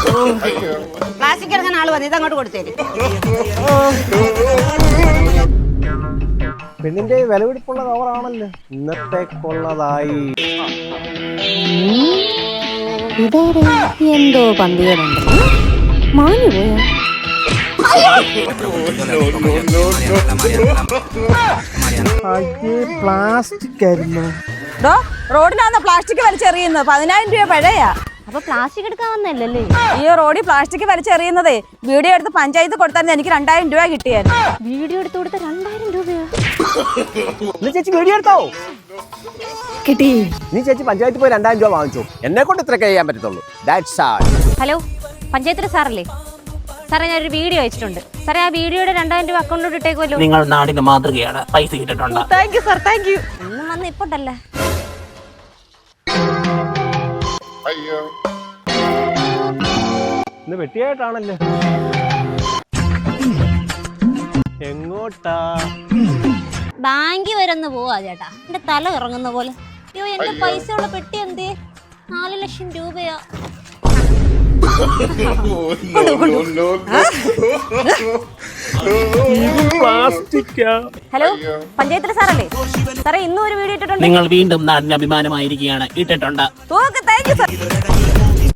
Plastic എടുക്കാൻ ആള് വന്നു, ഇതങ്ങോട്ട് കൊടുത്തേര്. പെണ്ണിന്റെ വിലപിടിപ്പുള്ള കവറാണല്ലോ ഇന്നത്തേക്കുള്ളതായി. എന്തോ പന്തികളുണ്ട്. മാഞ്ഞു പോയോ? പ്ലാസ്റ്റിക് ആയിരുന്നു. റോഡിനാണ് പ്ലാസ്റ്റിക് വലിച്ചെറിയുന്നത്. 10,000 രൂപ പഴയാ. അപ്പൊ പ്ലാസ്റ്റിക് എടുക്കാൻ വന്നല്ലേ? ഈ റോഡിൽ പ്ലാസ്റ്റിക് വലിച്ചെറിയുന്നതേ വീഡിയോ എടുത്ത് പഞ്ചായത്ത് കൊടുത്താൽ എനിക്ക് 2,000 രൂപ കിട്ടിയായിരുന്നു. വീഡിയോ എടുത്ത് കൊടുത്ത 2,000 രൂപയോ? ചേച്ചി വീഡിയോ എടുത്തോ? കിട്ടി. നീ ചേച്ചി പഞ്ചായത്തിൽ പോയി 2,000 രൂപ വാങ്ങിച്ചു. എന്നെ കൊണ്ട് ഇത്രയൊക്കെ ചെയ്യാൻ പറ്റത്തുള്ളൂ. ഹലോ, പഞ്ചായത്തിലെ സാറല്ലേ? സാറേ, ഞാനൊരു വീഡിയോ അയച്ചിട്ടുണ്ട്. സാറേ, ആ വീഡിയോയുടെ 2,000 രൂപ അക്കൗണ്ടിലോട്ട് ഇട്ടേക്കുമല്ലോ. നിങ്ങൾ നാടിന്റെ മാതൃകയാണ്. പൈസ കിട്ടിട്ടുണ്ട്. Thank you sir, thank you. ഒന്നും വന്ന് ഇപ്പോണ്ടല്ലേ. ഇന്ന് വെട്ടിയായിട്ടാണല്ലേ. എങ്ങോട്ടാ? ബാങ്കിൽ വരെ ഒന്ന് പോവാ ചേട്ടാ. എന്റെ തല ഇറങ്ങുന്ന പോലെ. അയ്യോ, എന്റെ പൈസയുള്ള പെട്ടി എന്തേ? 4 ലക്ഷം രൂപയാ. ഹലോ, പഞ്ചായത്തിലെ സാറല്ലേ? സാറേ, ഇന്നും ഒരു വീഡിയോ ഇട്ടിട്ടുണ്ട്. നിങ്ങൾ വീണ്ടും നാടിന് അഭിമാനമായിരിക്കുകയാണ്. ഇട്ടിട്ടുണ്ട്. Okay, thank you sir.